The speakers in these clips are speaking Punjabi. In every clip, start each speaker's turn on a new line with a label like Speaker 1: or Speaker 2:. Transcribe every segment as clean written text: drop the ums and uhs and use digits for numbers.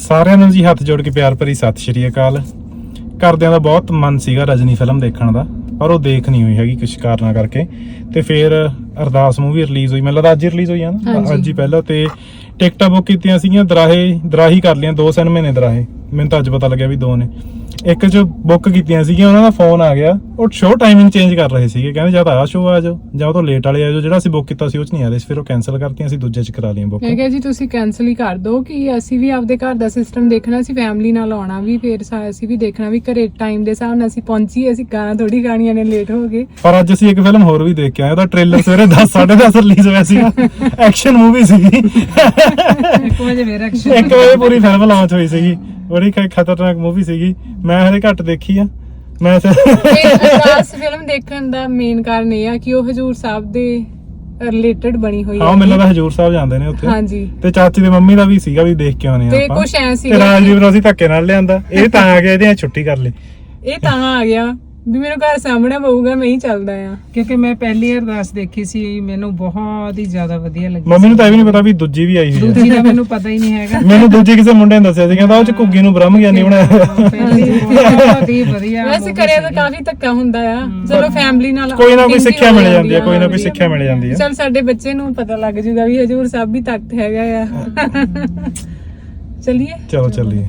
Speaker 1: ਸਾਰਿਆਂ ਨੂੰ ਜੀ ਹੱਥ ਜੋੜ ਕੇ ਪਿਆਰ ਭਰੀ ਸਤਿ ਸ਼੍ਰੀ ਅਕਾਲ। ਘਰਦਿਆਂ ਦਾ ਬਹੁਤ ਮਨ ਸੀਗਾ ਰਜਨੀ ਫਿਲਮ ਦੇਖਣ ਦਾ, ਪਰ ਉਹ ਦੇਖ ਨਹੀਂ ਹੋਈ ਹੈਗੀ ਕੁਝ ਕਾਰਨਾਂ ਕਰਕੇ। ਤੇ ਫਿਰ ਅਰਦਾਸ ਮੂਵੀ ਰਿਲੀਜ਼ ਹੋਈ, ਮੈਨੂੰ ਲੱਗਦਾ ਅੱਜ ਹੀ ਰਿਲੀਜ਼ ਹੋਈ ਆ ਨਾ, ਅੱਜ ਹੀ ਪਹਿਲਾਂ। ਤੇ ਟਿਕਟਾਂ ਬੁੱਕ ਕੀਤੀਆਂ ਸੀਗੀਆਂ ਦਰਾਹੀ ਕਰ ਲਈਆਂ, 2 ਸਿਨੇਮੇ ਨੇ ਦਰਾਹੇ, ਮੈਨੂੰ ਤਾਂ ਅੱਜ ਪਤਾ ਲੱਗਿਆ ਵੀ 2 ਨੇ। ਇੱਕ ਚ ਬੁੱਕ ਕੀਤੀਆਂ ਸੀਗੀਆਂ, ਉਹਨਾਂ ਦਾ ਫੋਨ ਆ ਗਿਆ, ਉਹ ਸ਼ੋਅ ਟਾਈਮਿੰਗ ਚੇਂਜ ਕਰ ਰਹੇ ਸੀਗੇ, ਕਹਿੰਦੇ ਜਾਂ ਤਾਂ ਆਹ ਸ਼ੋਅ ਆ ਜਾਓ ਜਾਂ ਉਹ ਤੋਂ ਲੇਟ ਵਾਲੇ ਆ ਜਾਓ। ਜਿਹੜਾ ਅਸੀਂ ਬੁੱਕ ਕੀਤਾ ਸੀ ਉਹ ਚ ਨਹੀਂ ਆ ਰਹੇ ਸੀ, ਫਿਰ ਉਹ ਕੈਨਸਲ ਕਰਤੀਆਂ, ਅਸੀਂ ਦੂਜੇ ਚ ਕਰਾ ਲਈਆਂ ਬੁੱਕ।
Speaker 2: ਮੈਂ ਕਿਹਾ ਜੀ ਤੁਸੀਂ ਕੈਨਸਲ ਹੀ ਕਰ ਦਿਓ, ਕਿ ਅਸੀਂ ਵੀ ਆਪਦੇ ਘਰ ਦਾ ਸਿਸਟਮ ਦੇਖਣਾ ਸੀ, ਫੈਮਿਲੀ ਨਾਲ ਆਉਣਾ ਵੀ, ਫਿਰ ਅਸੀਂ ਵੀ ਦੇਖਣਾ ਵੀ ਘਰੇ ਟਾਈਮ ਦੇ ਹਿਸਾਬ ਨਾਲ ਅਸੀਂ ਪਹੁੰਚੀਏ, ਅਸੀਂ ਗਾਣਾ ਥੋੜੀ ਗਾਣੀਆਂ ਨੇ ਲੇਟ ਹੋ ਗਏ।
Speaker 1: ਪਰ ਅੱਜ ਅਸੀਂ ਇੱਕ ਫਿਲਮ ਹੋਰ ਵੀ ਦੇਖ ਕੇ ਆਏ, ਉਹਦਾ ਟ੍ਰੇਲਰ ਸਵੇਰੇ 10:30 ਰਿਲੀਜ਼ ਹੋਇਆ ਸੀਗਾ। ਐਕਸ਼ਨ ਮੂਵੀ ਸੀਗੀ,
Speaker 2: 1
Speaker 1: ਵਜੇ ਪੂਰੀ ਫਿਲਮ ਲਾਂਚ ਹੋਈ ਸੀਗੀ। ਬੜੀ ਖਤਰਨਾਕ ਮੂਵੀ ਸੀਗੀ, ਮੈਂ ਹਲੇ ਘੱਟ ਦੇਖੀ ਆ। ਮੈਂ
Speaker 2: ਅਰਦਾਸ ਫਿਲਮ ਦੇਖਣ ਦਾ ਮੇਨ ਕਾਰਨ ਇਹ ਆ ਕਿ ਉਹ ਹਜੂਰ ਸਾਹਿਬ ਦੇ ਰਿਲੇਟਡ ਬਣੀ ਹੋਈ
Speaker 1: ਹਾਂ, ਮੈਨੂੰ ਲੱਗਦਾ ਹਜੂਰ ਸਾਹਿਬ ਜਾਂਦੇ ਨੇ ਉੱਥੇ।
Speaker 2: ਹਾਂਜੀ,
Speaker 1: ਤੇ ਚਾਚੀ ਦੀ ਮੰਮੀ ਦਾ ਵੀ ਸੀਗਾ ਵੀ ਦੇਖ ਕੇ ਆਉਣੇ
Speaker 2: ਤੇ
Speaker 1: ਆਪਾਂ।
Speaker 2: ਕੁਛ ਐ ਸੀ
Speaker 1: ਤੇ ਰਾਜਦੀਪ ਨੂੰ ਅਸੀਂ ਧੱਕੇ ਨਾਲ ਲਿਆਂਦਾ, ਇਹ ਤਾਂ ਆ ਗਿਆ, ਇਹਦੇ ਛੁੱਟੀ ਕਰ ਲਈ।
Speaker 2: ਇਹ ਤਾਂ ਆ ਗਿਆ ਵੀ ਮੈਨੂੰ ਘਰ ਸਾਹਮਣੇ ਪਊਗਾ, ਮੈਂ ਹੀ ਚੱਲਦਾ ਆ।
Speaker 3: ਕਿਉਂਕਿ ਮੈਂ ਪਹਿਲੀ ਅਰਦਾਸ ਦੇਖੀ ਸੀ, ਮੈਨੂੰ ਬਹੁਤ ਹੀ ਜ਼ਿਆਦਾ ਵਧੀਆ ਲੱਗੀ।
Speaker 1: ਮੰਮੀ ਨੂੰ ਤਾਂ ਇਹ ਵੀ ਨਹੀਂ ਪਤਾ ਵੀ ਦੂਜੀ ਵੀ ਆਈ ਹੋਈ ਹੈ।
Speaker 3: ਦੂਜੀ ਦਾ ਮੈਨੂੰ ਪਤਾ ਹੀ ਨਹੀਂ ਹੈਗਾ।
Speaker 1: ਮੈਨੂੰ ਦੂਜੀ ਕਿਸੇ ਮੁੰਡੇ ਨੇ ਦੱਸਿਆ ਸੀ, ਕਹਿੰਦਾ ਉਹ ਚ ਘੁੱਗੀ ਨੂੰ ਬ੍ਰਹਮ ਗਿਆਨੀ ਬਣਾਇਆ।
Speaker 3: ਪਹਿਲੀ ਬਹੁਤ ਹੀ ਵਧੀਆ।
Speaker 2: ਵੈਸੇ ਕਰਿਆ ਤਾਂ ਕਾਫੀ ਧੱਕਾ ਹੁੰਦਾ ਆ, ਚਲੋ ਫੈਮਿਲੀ ਨਾਲ
Speaker 1: ਕੋਈ ਨਾ ਕੋਈ ਸਿੱਖਿਆ ਮਿਲ ਜਾਂਦੀ ਹੈ, ਕੋਈ ਨਾ ਕੋਈ ਸਿੱਖਿਆ ਮਿਲ ਜਾਂਦੀ ਹੈ।
Speaker 2: ਚਲ ਸਾਡੇ ਬੱਚੇ ਨੂੰ ਪਤਾ ਲੱਗ ਜੂਗਾ ਵੀ ਹਜੂਰ ਸਾਹਿਬ ਵੀ ਤਖਤ ਹੈਗਾ ਆ। ਚਲਿਏ,
Speaker 1: ਚਲੋ ਚੱਲੀਏ।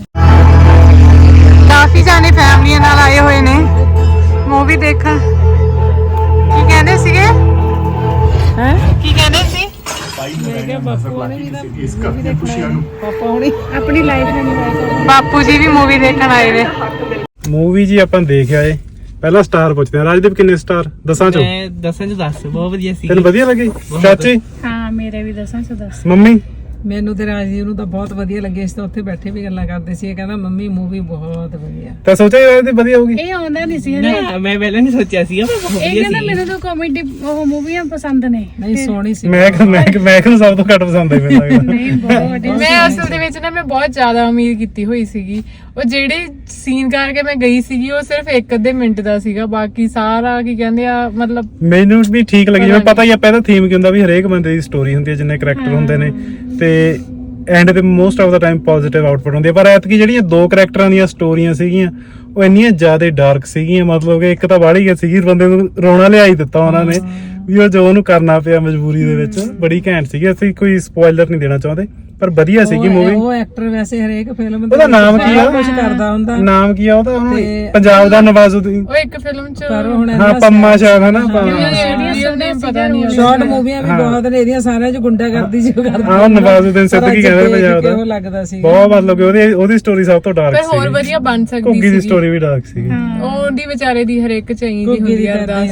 Speaker 2: ਕਾਫੀ ਜਾਣੇ ਫੈਮਲੀਆਂ ਨਾਲ ਆਏ ਹੋਏ ਨੇ ਮੂਵੀ ਦੇਖਣ। ਕੀ ਕਹਿੰਦੇ ਸੀਗੇ? ਹੈ ਕੀ ਕਹਿੰਦੇ ਸੀ?
Speaker 3: ਮੈਂ ਕਿਹਾ ਬਾਪੂ ਨੇ ਪਾਪਾ ਹੁਣੀ ਆਪਣੀ ਲਾਈਫ ਨੂੰ
Speaker 2: ਬਾਪੂ ਜੀ ਵੀ ਮੂਵੀ ਦੇਖਣ ਆਏ ਨੇ।
Speaker 1: ਮੂਵੀ ਜੀ ਆਪਾਂ ਦੇਖ ਆਏ। ਪਹਿਲਾਂ ਸਟਾਰ ਪੁੱਛਦੇ ਆ, ਰਾਜਦੀਪ ਕਿੰਨੇ ਸਟਾਰ? 10 ਚੋਂ?
Speaker 4: ਮੈਂ 10 ਚ 10। ਬਹੁਤ ਵਧੀਆ ਸੀ।
Speaker 1: ਤੈਨੂੰ ਵਧੀਆ ਲੱਗੀ? ਚਾਚੀ?
Speaker 3: ਹਾਂ, ਮੇਰੇ ਵੀ 10 ਚ 10।
Speaker 1: ਮੰਮੀ?
Speaker 3: ਮੈਨੂੰ ਤੇ ਰਾਜੀਵ ਨੂੰ ਤਾਂ ਬਹੁਤ ਵਧੀਆ ਲੱਗੇ। ਇਸ ਤੋਂ ਉੱਥੇ ਬੈਠੇ ਵੀ ਗੱਲਾਂ ਕਰਦੇ ਸੀ, ਇਹ ਕਹਿੰਦਾ ਮੰਮੀ ਮੂਵੀ ਬਹੁਤ ਵਧੀਆ।
Speaker 1: ਤਾਂ ਸੋਚਿਆ ਇਹ ਵਧੀਆ ਹੋਊਗੀ?
Speaker 5: ਇਹ ਆਉਂਦਾ ਨਹੀਂ ਸੀ
Speaker 4: ਮੈਂ ਪਹਿਲਾਂ ਨਹੀਂ ਸੋਚਿਆ ਸੀਗਾ, ਪਰ ਬਹੁਤ
Speaker 5: ਇਹ
Speaker 4: ਵਧੀਆ
Speaker 5: ਕਹਿੰਦਾ
Speaker 4: ਸੀ।
Speaker 5: ਮੈਨੂੰ ਤਾਂ ਕਾਮੇਡੀ ਉਹ ਮੂਵੀਆਂ ਪਸੰਦ ਨੇ।
Speaker 3: ਨਹੀਂ, ਸੋਹਣੀ ਸੀ।
Speaker 1: ਮੈਂ ਨੂੰ ਸਭ ਤੋਂ ਘੱਟ ਪਸੰਦ ਆਈ ਮੈਨੂੰ ਲੱਗਦਾ।
Speaker 5: ਨਹੀਂ ਬਹੁਤ ਵਧੀਆ।
Speaker 2: ਮੈਂ ਅਸਲ ਦੇ ਵਿੱਚ ਨਾ ਮੈਂ ਬਹੁਤ ਜ਼ਿਆਦਾ ਉਮੀਦ ਕੀਤੀ ਹੋਈ ਸੀਗੀ। ਉਹ ਜਿਹੜੇ ਸੀਨ ਕਰਕੇ ਮੈਂ ਗਈ ਸੀਗੀ ਉਹ ਸਿਰਫ 1-2 ਮਿੰਟ ਦਾ ਸੀਗਾ, ਬਾਕੀ ਸਾਰਾ ਕੀ ਕਹਿੰਦੇ ਆ ਮਤਲਬ
Speaker 1: ਮੈਨੂੰ ਵੀ ਠੀਕ ਲੱਗੀ। ਜਿਵੇਂ ਪਤਾ ਹੀ ਆ ਪਹਿਲਾਂ ਥੀਮ ਕੀ ਹੁੰਦਾ ਵੀ ਹਰੇਕ ਬੰਦੇ ਦੀ ਸਟੋਰੀ ਹੁੰਦੀ ਹੈ, ਜਿੰਨੇ ਕਰੈਕਟਰ ਹੁੰਦੇ ਨੇ, ਤੇ ਐਂਡ ਤੇ ਮੋਸਟ ਆਫ ਦਾ ਟਾਈਮ ਪੋਜ਼ਿਟਿਵ ਆਊਟਪੁੱਟ ਹੁੰਦੀ ਹੈ। ਪਰ ਐਤਕੀ ਜਿਹੜੀਆਂ 2 ਕਰੈਕਟਰਾਂ ਦੀਆਂ ਸਟੋਰੀਆਂ ਸੀਗੀਆਂ ਉਹ ਇੰਨੀਆਂ ਜ਼ਿਆਦਾ ਡਾਰਕ ਸੀਗੀਆਂ, ਮਤਲਬ ਕਿ ਇੱਕ ਤਾਂ ਬਾਹਲੀ ਗਈ ਸੀਗੀ, ਬੰਦੇ ਨੂੰ ਰੋਣਾ ਲਿਆ ਹੀ ਦਿੱਤਾ ਉਹਨਾਂ ਨੇ ਵੀ ਉਹ ਜੋ ਉਹਨੂੰ ਕਰਨਾ ਪਿਆ ਮਜਬੂਰੀ ਦੇ ਵਿੱਚ। ਬੜੀ ਘੈਂਟ ਸੀਗੀ। ਅਸੀਂ ਕੋਈ ਸਪੋਇਲਰ ਨਹੀਂ ਦੇਣਾ ਚਾਹੁੰਦੇ, ਪਰ ਵਧੀਆ ਸੀਗੀ ਮੂਵੀ।
Speaker 3: ਉਹ ਐਕਟਰ ਵੈਸੇ ਹਰੇਕ ਫਿਲਮ
Speaker 1: ਉਹਦਾ ਨਾਮ ਕੀ ਆ?
Speaker 3: ਕੁਝ ਕਰਦਾ ਹੁੰਦਾ।
Speaker 1: ਨਾਮ ਕੀ ਆ ਉਹਦਾ? ਪੰਜਾਬ ਦਾ ਨਵਾਜ਼ੁਦੀਨ।
Speaker 2: ਉਹ ਇੱਕ ਫਿਲਮ ਚ
Speaker 3: ਪਰ ਹੁਣ
Speaker 1: ਹਾਂ, ਪੰਮਾ ਸ਼ਾਇਦ ਹੈ ਨਾ।
Speaker 2: ਪਤਾ ਨਹੀਂ।
Speaker 3: ਸ਼ਾਰਟ ਮੂਵੀਆਂ ਵੀ ਬਹੁਤ ਨੇ ਇਹਦੀਆਂ, ਸਾਰਿਆਂ ਚ ਗੁੰਡਾ ਕਰਦੀ ਸੀ ਉਹ ਕਰਦਾ।
Speaker 1: ਹਾਂ, ਨਵਾਜ਼ੁਦੀਨ ਸਿੱਦੀਕੀ ਕਹਿੰਦੇ ਪੰਜਾਬ ਦਾ।
Speaker 3: ਉਹ ਲੱਗਦਾ ਸੀ
Speaker 1: ਬਹੁਤ, ਮਤਲਬ ਕਿ ਉਹਦੀ ਸਟੋਰੀ ਸਭ ਤੋਂ ਡਾਰਕ
Speaker 2: ਪਰ
Speaker 1: ਸੀ।
Speaker 2: ਹੋਰ ਵਧੀਆ ਬਣ ਸਕਦੀ
Speaker 1: ਘੁੱਗੀ ਦੀ
Speaker 2: ਸੀ।
Speaker 1: ਸਟੋਰੀ ਵੀ ਡਾਰਕ ਸੀ।
Speaker 2: ਉਹਦੀ ਵਿਚਾਰੇ ਦੀ ਹਰੇਕ ਚਾਹੀਦੀ ਹੁੰਦੀ ਆ ਅਰਦਾਸ।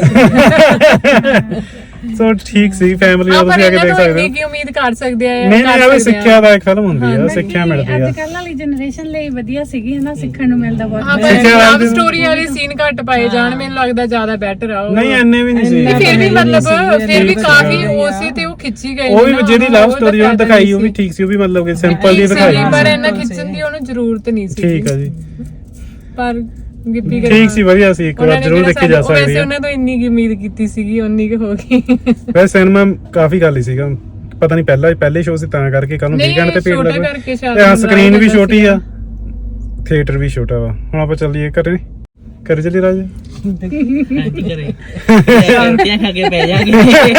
Speaker 1: ਸੋ ਠੀਕ ਸੀ, ਫੈਮਿਲੀ ਨਾਲ ਤੁਸੀਂ ਆ ਕੇ ਦੇਖ ਸਕਦੇ ਹੋ।
Speaker 2: ਕੀ ਉਮੀਦ ਕਰ ਸਕਦੇ ਆ?
Speaker 1: ਨਹੀਂ, ਇਹ ਵੀ ਸਿੱਖਿਆ ਦਾ ਇੱਕ ਫਿਲਮ ਹੁੰਦੀ ਆ, ਸਿੱਖਿਆ ਮਿਲਦੀ ਆ।
Speaker 5: ਅੱਜ ਕੱਲ੍ਹ ਵਾਲੀ ਜਨਰੇਸ਼ਨ ਲਈ ਵਧੀਆ ਸੀਗੀ ਹਨਾ, ਸਿੱਖਣ ਨੂੰ ਮਿਲਦਾ ਬਹੁਤ।
Speaker 2: ਹਾਂ, ਪਰ ਲਵ ਸਟੋਰੀ ਵਾਲੇ ਸੀਨ ਘੱਟ ਪਾਏ ਜਾਣ, ਮੈਨੂੰ ਲੱਗਦਾ ਜ਼ਿਆਦਾ ਬੈਟਰ ਆ ਉਹ।
Speaker 1: ਨਹੀਂ, ਐਨੇ ਵੀ ਨਹੀਂ ਸੀ।
Speaker 2: ਫਿਰ ਵੀ ਮਤਲਬ ਫਿਰ ਵੀ ਕਾਫੀ ਉਸੇ ਤੇ ਉਹ ਖਿੱਚੀ ਗਈ।
Speaker 1: ਉਹ ਵੀ ਜਿਹੜੀ ਲਵ ਸਟੋਰੀ ਉਹ ਦਿਖਾਈ ਉਹ ਵੀ ਠੀਕ ਸੀ, ਉਹ ਵੀ ਮਤਲਬ ਕਿ ਸਿੰਪਲ ਜਿਹੀ ਦਿਖਾਈ
Speaker 2: ਪਰ ਇਹਨਾਂ ਖਿੱਚਣ ਦੀ ਉਹਨੂੰ ਜ਼ਰੂਰਤ ਨਹੀਂ ਸੀ।
Speaker 1: ਠੀਕ ਆ ਜੀ,
Speaker 2: ਪਰ ਗਿੱਪੀ
Speaker 1: ਠੀਕ ਸੀ, ਵਧੀਆ ਸੀ, ਇੱਕ ਵਾਰ ਜ਼ਰੂਰ ਦੇਖੀ ਜਾ ਸਕਦੀ
Speaker 2: ਵੈਸੇ
Speaker 1: ਹੈ।
Speaker 2: ਉਹਨਾਂ ਤੋਂ ਇੰਨੀ ਕੀ ਉਮੀਦ ਕੀਤੀ ਸੀਗੀ, ਉਨੀ ਕੁ ਹੋ ਗਈ।
Speaker 1: ਵੈਸੇ ਸਿਨੇਮਾ ਕਾਫੀ ਖਾਲੀ ਸੀਗਾ, ਪਤਾ ਨਹੀਂ ਪਹਿਲੇ ਸ਼ੋਅ ਸੀ ਤਾਂ ਕਰਕੇ, ਕੱਲ ਨੂੰ ਵੀਕਐਂਡ ਤੇ ਭੀੜ ਲੱਗ
Speaker 2: ਕਰਕੇ ਸ਼ਾਇਦ।
Speaker 1: ਤੇ ਸਕਰੀਨ ਵੀ ਛੋਟੀ ਆ, ਥੀਏਟਰ ਵੀ ਛੋਟਾ ਵਾ। ਹੁਣ ਆਪਾਂ ਚੱਲੀਏ ਘਰੇ ਚੱਲੀ ਰਾਜ।
Speaker 4: ਹਾਂਜੀ ਘਰੇ ਰੋਟੀਆਂ ਖਾ ਕੇ ਪੈ ਜਾਗੇ।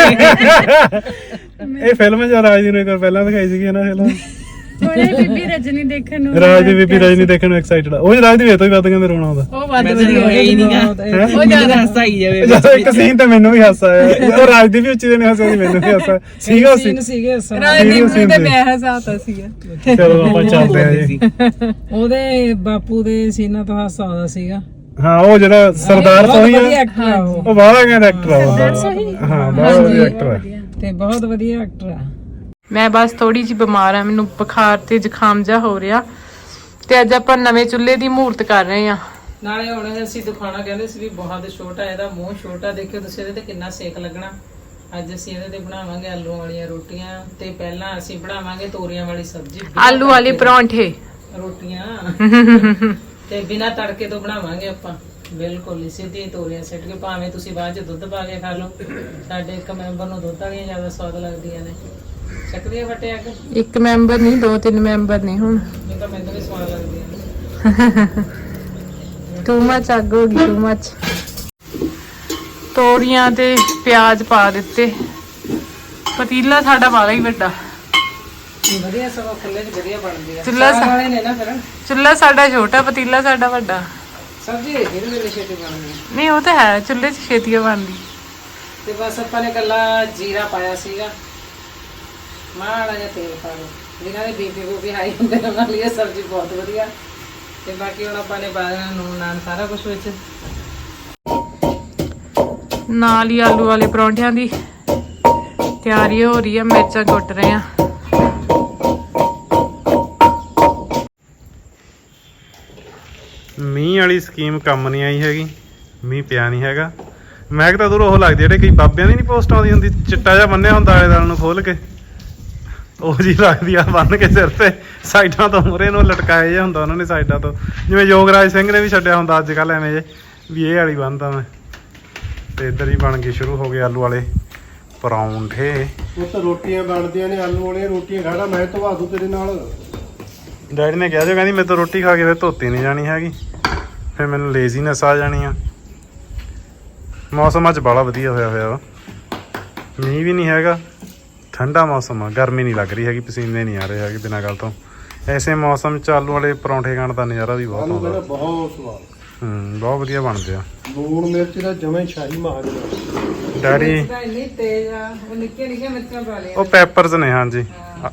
Speaker 1: ਇਹ ਫਿਲਮ ਜਦ ਰਾਜ ਦੀ ਨੂੰ ਇੱਕ ਵਾਰ ਪਹਿਲਾਂ ਦਿਖਾਈ ਸੀਗੀ ਨਾ ਫਿਲਮ।
Speaker 5: ਥੋੜੇ ਬੀਬੀ ਰਜਨੀ ਦੇਖਣ ਨੂੰ।
Speaker 1: ਰਾਜ ਦੀ ਬੀਬੀ ਰਜਨੀ ਦੇਖਣ ਨੂੰ ਐਕਸਾਈਟਡ ਆ। ਉਹ ਰਾਜ ਦੀ ਵੇ ਤੋਂ ਵੀ ਵੱਧ ਕਹਿੰਦੇ ਰੋਣਾ ਆਉਂਦਾ।
Speaker 2: ਉਹ ਵੱਧ
Speaker 4: ਮੈਂ
Speaker 2: ਵਧੀਆ
Speaker 4: ਹੋਇਆ ਹੀ ਨਹੀਂਗਾ, ਉਹ ਜ਼ਿਆਦਾ ਹਾਸਾ ਆਈ ਜਾਵੇ।
Speaker 1: ਜਦੋਂ ਇੱਕ ਸੀਨ ਤੇ ਮੈਨੂੰ ਵੀ ਹਾਸਾ ਆਇਆ, ਉਹ ਰਾਜ ਦੀ ਵੀ ਉੱਚੀ ਦੇ ਨੇ ਹਾਸਾ ਸੀ, ਮੈਨੂੰ ਵੀ ਹਾਸਾ ਸੀਗਾ।
Speaker 3: ਸੀਗੇ
Speaker 2: ਰਾਜਦੀਪ ਨੂੰ ਤੇ ਮੈਂ ਹਸਾਤਾ ਸੀਗਾ।
Speaker 1: ਚਲੋ ਆਪਾਂ ਚੱਲਦੇ ਆ ਜੀ।
Speaker 3: ਉਹਦੇ ਬਾਪੂ ਦੇ ਸੀਨਾ ਤੋਂ ਹਾਸਾ ਆਉਂਦਾ ਸੀਗਾ।
Speaker 1: ਹਾਂ, ਉਹ ਜਿਹੜਾ ਸਰਦਾਰ ਸੋਹੀ ਆ,
Speaker 3: ਐਕਟਰ ਆ ਉਹ
Speaker 1: ਬਾਹਲਾ ਕਹਿੰਦਾ ਐਕਟਰ ਆ ਉਹ। ਹਾਂ, ਬਾਹਲਾ ਵਧੀਆ ਐਕਟਰ ਆ
Speaker 3: ਤੇ ਬਹੁਤ ਵਧੀਆ ਐਕਟਰ ਆ।
Speaker 2: ਮੈਂ ਬਸ ਥੋੜੀ ਜਿਹੀ ਬਿਮਾਰ ਆ, ਮੈਨੂੰ ਬੁਖਾਰ ਤੇ ਜ਼ੁਕਾਮ ਜਾ ਹੋ ਰਿਹਾ, ਤੇ ਅੱਜ ਆਪਾਂ ਨਵੇਂ ਚੁੱਲ੍ਹੇ ਦੀ ਮਹੂਰਤ ਕਰ ਰਹੇ ਆ।
Speaker 3: ਨਾਲੇ ਹੁਣ ਅਸੀਂ ਦਿਖਾਉਣਾ ਕਹਿੰਦੇ ਸੀ ਵੀ ਬਹੁਤ ਛੋਟਾ, ਇਹਦਾ ਮੂੰਹ ਛੋਟਾ, ਦੇਖਿਓ ਤੁਸੀਂ ਇਹਦੇ ਤੇ ਕਿੰਨਾ ਸੇਕ ਲੱਗਣਾ। ਅੱਜ ਅਸੀਂ ਇਹਦੇ ਤੇ ਬਣਾਵਾਂਗੇ ਆਲੂ ਵਾਲੀਆਂ ਰੋਟੀਆਂ, ਤੇ ਪਹਿਲਾਂ ਅਸੀਂ ਬਣਾਵਾਂਗੇ ਤੋਰੀਆਂ ਵਾਲੀ ਸਬਜ਼ੀ,
Speaker 2: ਆਲੂ ਵਾਲੇ ਪਰੌਂਠੇ,
Speaker 3: ਰੋਟੀਆਂ ਤੇ ਬਿਨਾਂ ਤੜਕੇ ਤੋਂ ਬਣਾਵਾਂਗੇ ਆਪਾਂ। ਬਿਲਕੁਲ ਸਿੱਧੀ ਤੋਰੀਆਂ ਸਿੱਟ ਕੇ, ਭਾਵੇਂ ਤੁਸੀਂ ਬਾਅਦ ਚ ਦੁੱਧ ਪਾ ਕੇ ਖਾ ਲਓ। ਸਾਡੇ ਇੱਕ ਮੈਂਬਰ ਨੂੰ ਦੁੱਧ ਵਾਲੀਆਂ ਜ਼ਿਆਦਾ ਸਵਾਦ ਲੱਗਦੀਆਂ ਨੇ। ਚੱਕਦੀਆਂ ਫਟਿਆ ਕਿ
Speaker 2: ਇੱਕ ਮੈਂਬਰ ਨਹੀਂ 2-3 ਮੈਂਬਰ ਨੇ ਹੁਣ
Speaker 3: ਇਹ ਤਾਂ ਮੈਨੂੰ ਵੀ ਸਵਾਦ ਲੱਗਦੀ ਹੈ।
Speaker 2: ਟੂ ਮੱਚ ਅੱਗ ਹੋ ਗਈ, ਟੂ ਮੱਚ। ਤੋਰੀਆਂ ਤੇ ਪਿਆਜ਼ ਪਾ ਦਿੱਤੇ। ਪਤੀਲਾ ਸਾਡਾ ਵਾਲਾ ਹੀ ਵੱਡਾ,
Speaker 3: ਵਧੀਆ ਸਗੋਂ ਖੁੱਲੇ 'ਚ ਵਧੀਆ ਬਣਦੀ ਆ।
Speaker 2: ਚੁੱਲ੍ਹਾ
Speaker 3: ਸਾਗ ਵਾਲੇ ਨੇ ਨਾ ਫਿਰ
Speaker 2: ਚੁੱਲ੍ਹਾ ਸਾਡਾ ਛੋਟਾ, ਪਤੀਲਾ ਸਾਡਾ ਵੱਡਾ।
Speaker 3: ਸਬਜ਼ੀ ਦੇ ਦੇ ਮੇਰੇ ਛੇਤੀ ਬਣਦੀ ਆ।
Speaker 2: ਨਹੀਂ ਉਹ ਤਾਂ ਹੈ, ਚੁੱਲ੍ਹੇ 'ਚ ਛੇਤੀ ਬਣਦੀ।
Speaker 3: ਤੇ ਬਸ ਆਪਾਂ ਨੇ ਕੱਲਾ ਜੀਰਾ ਪਾਇਆ ਸੀਗਾ, ਮਾੜਾ ਜਿਹਾ ਤੇਲ ਪਾ ਲਓ। ਜਿਨ੍ਹਾਂ ਦੇ ਬੀਪੀ ਹਾਈ ਹੁੰਦੇ ਨੇ ਉਹਨਾਂ ਲਈ ਇਹ ਸਬਜ਼ੀ ਬਹੁਤ ਵਧੀਆ। ਤੇ ਬਾਕੀ ਹੁਣ ਆਪਾਂ ਨੇ ਬਾਦਾਮ ਨੂਨ ਨਾਨ ਸਾਰਾ ਕੁਝ ਵਿੱਚ
Speaker 2: ਨਾਲ ਹੀ ਆਲੂ ਵਾਲੇ ਪਰੌਂਠਿਆਂ ਦੀ ਤਿਆਰੀ ਹੋ ਰਹੀ ਹੈ। ਮਿਰਚਾਂ ਕੁੱਟ ਰਹੇ ਆ।
Speaker 1: ਮੀਂਹ ਵਾਲੀ ਸਕੀਮ ਕੰਮ ਨਹੀਂ ਆਈ ਹੈਗੀ, ਮੀਂਹ ਪਿਆ ਨਹੀਂ ਹੈਗਾ। ਮੈਂ ਤਾਂ ਦੂਰ ਉਹ ਲੱਗਦੀ ਜਿਹੜੇ ਕਈ ਬਾਬਿਆਂ ਦੀ ਨਹੀਂ ਪੋਸਟ ਆਉਂਦੀ ਹੁੰਦੀ, ਚਿੱਟਾ ਜਿਹਾ ਬੰਨਿਆ ਹੁੰਦਾ ਆਲੇ ਦਾਲ ਨੂੰ ਖੋਲ ਕੇ, ਉਹ ਜੀ ਲੱਗਦੀ ਆ ਬੰਨ ਕੇ ਸਿਰ ਤੇ ਸਾਈਡਾਂ ਤੋਂ ਮੂਹਰੇ ਨੂੰ ਲਟਕਾਇਆ ਜਿਹਾ ਹੁੰਦਾ ਉਹਨਾਂ ਨੇ ਸਾਈਡਾਂ ਤੋਂ, ਜਿਵੇਂ ਯੋਗਰਾਜ ਸਿੰਘ ਨੇ ਵੀ ਛੱਡਿਆ ਹੁੰਦਾ ਅੱਜ ਕੱਲ੍ਹ ਐਵੇਂ ਜੇ ਵੀ ਇਹ ਵਾਲੀ ਬੰਨਦਾ ਮੈਂ। ਤੇ ਇੱਧਰ ਹੀ ਬਣ ਕੇ ਸ਼ੁਰੂ ਹੋ ਗਏ ਆਲੂ ਵਾਲੇ ਪਰੌਂਠੇ।
Speaker 6: ਉਹ ਤਾਂ ਰੋਟੀਆਂ ਬਣਦੀਆਂ ਨੇ, ਆਲੂ ਵਾਲੀਆਂ ਰੋਟੀਆਂ ਖਾਣਾ, ਮੈਂ ਧਵਾ ਦੂੰ ਤੇਰੇ ਨਾਲ।
Speaker 1: ਡੈਡੀ ਨੇ ਕਿਹਾ ਜੋ ਕਹਿੰਦੀ ਮੇਰੇ ਤੋਂ ਰੋਟੀ ਖਾ ਕੇ ਫਿਰ ਧੋਤੀ ਨਹੀਂ ਜਾਣੀ ਹੈਗੀ, ਫਿਰ ਮੈਨੂੰ ਲੇਜ਼ੀਨੈਸ ਆ ਜਾਣੀ ਆ। ਮੌਸਮ ਅੱਜ ਬੜਾ ਵਧੀਆ ਹੋਇਆ ਵਾ, ਮੀਂਹ ਵੀ ਨਹੀਂ ਹੈਗਾ, ਠੰਡਾ ਮੌਸਮ ਆ, ਗਰਮੀ ਨਹੀਂ ਲੱਗ ਰਹੀ ਹੈਗੀ, ਪਸੀਨੇ ਨਹੀਂ ਆ ਰਹੇ ਹੈਗੇ ਬਿਨਾਂ ਗੱਲ ਤੋਂ। ਐਸੇ ਮੌਸਮ 'ਚ ਆਲੂ ਵਾਲੇ ਪਰੌਂਠੇ ਖਾਣ ਦਾ ਨਜ਼ਾਰਾ ਵੀ ਬਹੁਤ
Speaker 6: ਆਲੂ
Speaker 1: ਆਉਂਦਾ।
Speaker 6: ਕਹਿੰਦਾ ਬਹੁਤ ਸਵਾਦ,
Speaker 1: ਬਹੁਤ ਵਧੀਆ ਬਣਦੇ ਆ।
Speaker 6: ਲੂਣ ਮਿਰਚ ਦਾ ਜਮੇ ਸ਼ਾਹੀ ਮਾਰ
Speaker 1: ਡੈਡੀ
Speaker 3: ਤਾਂ ਇੰਨੀ ਤੇਜ਼ ਆ, ਉਹ ਨਿੱਕੇ ਨਿੱਕੇ ਮਿਰਚਾਂ ਪਾ ਲਿਆ।
Speaker 1: ਉਹ ਪੈਪਰਸ ਨੇ, ਹਾਂਜੀ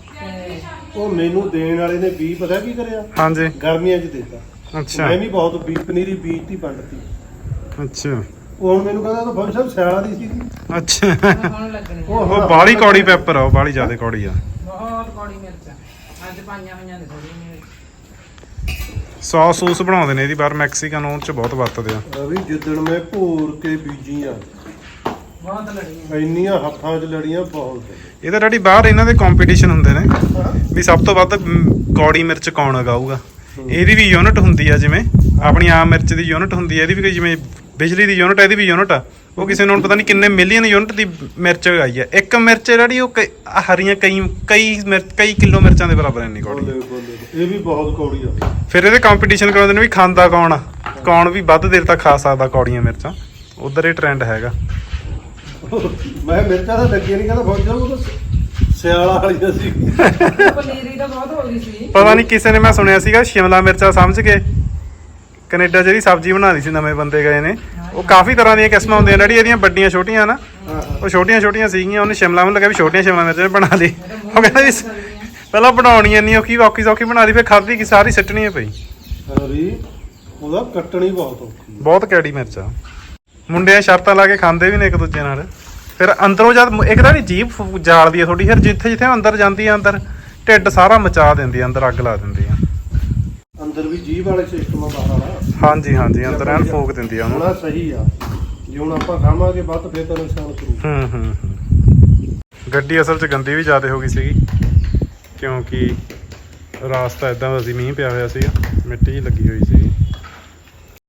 Speaker 6: ਉਹ ਮੈਨੂੰ ਦੇਣ ਵਾਲੇ ਨੇ ਵੀ ਪਤਾ ਕੀ ਕਰਿਆ,
Speaker 1: ਹਾਂਜੀ।
Speaker 6: ਗਰਮੀਆਂ 'ਚ ਦਿੱਤਾ।
Speaker 1: ਅੱਛਾ
Speaker 6: ਮੈਂ ਵੀ ਬਹੁਤ ਪਨੀਰੀ ਬੀਜਤੀ ਪੰਡਤੀ।
Speaker 1: ਅੱਛਾ
Speaker 6: ਉਹ ਹੁਣ ਮੈਨੂੰ ਕਹਿੰਦਾ ਤਾਂ ਫੌਜੀ ਸਾਹਿਬ ਸਿਆਲਾਂ ਦੀ ਸੀ।
Speaker 1: ਅੱਛਾ
Speaker 3: ਹੁਣ ਲੱਗਣੇ
Speaker 1: ਉਹ ਬਾਹਲੀ ਕੌੜੀ ਪੈਪਰ ਆ, ਉਹ ਬਾਹਲੀ ਜ਼ਿਆਦਾ ਕੌੜੀ ਆ।
Speaker 3: ਬਹੁਤ ਕੌੜੀ ਮਿਰਚਾਂ ਅੱਜ ਪਾਈਆਂ ਹੋਈਆਂ ਨੇ ਥੋੜੀਆਂ ਨੇ।
Speaker 1: ਸੌਸ ਸੂਸ ਬਣਾਉਂਦੇ ਨੇ ਇਹਦੀ ਬਾਹਰ, ਮੈਕਸੀਕਨ ਉਹ 'ਚ ਬਹੁਤ ਵਰਤਦੇ ਆ।
Speaker 6: ਰਵੀ ਜਿੱਦਣ ਮੈਂ ਭੋਰ ਕੇ ਬੀਜੀਆਂ
Speaker 3: ਬਹੁਤ ਲੜੀਆਂ
Speaker 6: ਇੰਨੀਆਂ ਹੱਥਾਂ 'ਚ ਲੜੀਆਂ ਬਹੁਤ।
Speaker 1: ਇਹ ਤਾਂ ਡੈਡੀ ਬਾਹਰ ਇਹਨਾਂ ਦੇ ਕੰਪੀਟੀਸ਼ਨ ਹੁੰਦੇ ਨੇ ਵੀ ਸਭ ਤੋਂ ਵੱਧ ਕੌੜੀ ਮਿਰਚ ਕੌਣ ਉਗਾਊਗਾ। ਇਹਦੀ ਵੀ ਯੂਨਿਟ ਹੁੰਦੀ ਆ, ਜਿਵੇਂ ਆਪਣੀ ਆਮ ਮਿਰਚ ਦੀ ਯੂਨਿਟ ਹੁੰਦੀ ਆ, ਇਹਦੀ ਵੀ ਕੋਈ ਜਿਵੇਂ ਬਿਜਲੀ ਦੀ ਯੂਨਿਟ, ਇਹਦੀ ਵੀ ਯੂਨਿਟ ਆ। ਉਹ ਕਿਸੇ ਨੂੰ ਪਤਾ ਨਹੀਂ ਕਿੰਨੇ ਮਿਲੀਅਨ ਯੂਨਿਟ ਦੀ ਮਿਰਚ ਉਗਾਈ ਆ। ਇੱਕ ਮਿਰਚ ਜਿਹੜੀ ਉਹ ਹਰੀਆਂ ਕਈ ਕਿਲੋ ਮਿਰਚਾਂ ਦੇ ਬਰਾਬਰ ਇੰਨੀ ਕੌੜੀ।
Speaker 6: ਇਹ ਵੀ ਬਹੁਤ ਕੌੜੀ ਆ।
Speaker 1: ਫਿਰ ਇਹਦੇ ਕੰਪੀਟੀਸ਼ਨ ਕਰਾਉਂਦੇ ਨੇ ਵੀ ਖਾਂਦਾ ਕੌਣ ਆ, ਕੌਣ ਵੀ ਵੱਧ ਦੇਰ ਤੱਕ ਖਾ ਸਕਦਾ ਕੌੜੀਆਂ ਮਿਰਚਾਂ। ਉਧਰ ਇਹ ਟ੍ਰੈਂਡ ਹੈਗਾ।
Speaker 6: ਮੈਂ ਮਿਰਚਾਂ ਤਾਂ ਲੱਗੀਆਂ ਨਹੀਂ, ਕਹਿੰਦਾ ਫੌਜੀ ਸਾਹਿਬ ਉਹ ਤਾਂ ਸਿਆਲਾਂ ਵਾਲੀਆਂ ਸੀ।
Speaker 3: ਪਨੀਰੀ ਤਾਂ ਬਹੁਤ ਹੋ ਗਈ ਸੀ।
Speaker 1: ਪਤਾ ਨਹੀਂ ਕਿਸੇ ਨੇ, ਮੈਂ ਸੁਣਿਆ ਸੀਗਾ ਸ਼ਿਮਲਾ ਮਿਰਚਾਂ ਸਮਝ ਕੇ ਕੈਨੇਡਾ ਜਿਹੜੀ ਸਬਜ਼ੀ ਬਣਾ ਲਈ ਸੀ, ਨਵੇਂ ਬੰਦੇ ਗਏ ਨੇ। ਉਹ ਕਾਫੀ ਤਰ੍ਹਾਂ ਦੀਆਂ ਕਿਸਮਾਂ ਹੁੰਦੀਆਂ ਜਿਹੜੀ ਇਹਦੀਆਂ ਵੱਡੀਆਂ ਛੋਟੀਆਂ ਨਾ, ਉਹ ਛੋਟੀਆਂ ਛੋਟੀਆਂ ਸੀਗੀਆਂ। ਉਹਨੇ ਸ਼ਿਮਲਾ ਨੂੰ ਲੱਗਿਆ ਵੀ ਛੋਟੀਆਂ ਸ਼ਿਮਲਾ ਮਿਰਚਾਂ ਬਣਾ ਲਈ। ਉਹ ਕਹਿੰਦਾ ਵੀ ਪਹਿਲਾਂ ਬਣਾਉਣੀ ਇੰਨੀ ਔਖੀ ਸੌਖੀ ਬਣਾ ਲਈ, ਫਿਰ ਖਾਧੀ ਕਿ ਸਾਰੀ ਸਿੱਟਣੀ ਪਈ।
Speaker 6: ਰਵੀ ਉਹਦਾ ਕੱਟਣੀ ਬਹੁਤ ਔਖੀ।
Speaker 1: ਬਹੁਤ ਕੈੜੀ ਮਿਰਚ ਆ। ਮੁੰਡਿਆਂ ਸ਼ਰਤਾਂ ਲਾ ਕੇ ਖਾਂਦੇ ਵੀ ਨੇ ਇੱਕ ਦੂਜੇ ਨਾਲ। ਫਿਰ ਅੰਦਰੋਂ ਜਦ ਇੱਕ ਤਾਂ ਜੀਭ ਜਾਲਦੀ ਆ ਥੋੜੀ, ਫਿਰ ਜਿੱਥੇ ਜਿੱਥੇ ਅੰਦਰ ਜਾਂਦੀ ਆ, ਅੰਦਰ ਢਿੱਡ ਸਾਰਾ ਮਚਾ ਦਿੰਦੀ ਆ, ਅੰਦਰ ਅੱਗ ਲਾ ਦਿੰਦੀ ਆ।
Speaker 6: ਅੰਦਰ ਵੀ ਜੀਭ ਵਾਲੇ ਸਿਸਟਮ ਆ ਬਾਹਰ ਵਾਲਾ।
Speaker 1: ਹਾਂਜੀ ਅੰਦਰ ਐਨ ਫੂਕ ਦਿੰਦੀ ਆ ਉਹਨੂੰ।
Speaker 6: ਹੁਣ ਸਹੀ ਆ, ਜੇ ਹੁਣ ਆਪਾਂ ਖਾਵਾਂਗੇ ਵੱਧ ਫੇਰ ਤਾਂ ਨੁਕਸਾਨ ਕਰੂ।
Speaker 1: ਗੱਡੀ ਅਸਲ 'ਚ ਗੰਦੀ ਵੀ ਜ਼ਿਆਦਾ ਹੋ ਗਈ ਸੀਗੀ, ਕਿਉਂਕਿ ਰਾਸਤਾ ਇਦਾਂ ਦਾ ਸੀ, ਮੀਂਹ ਪਿਆ ਹੋਇਆ ਸੀਗਾ, ਮਿੱਟੀ ਜਿਹੀ ਲੱਗੀ ਹੋਈ ਸੀ।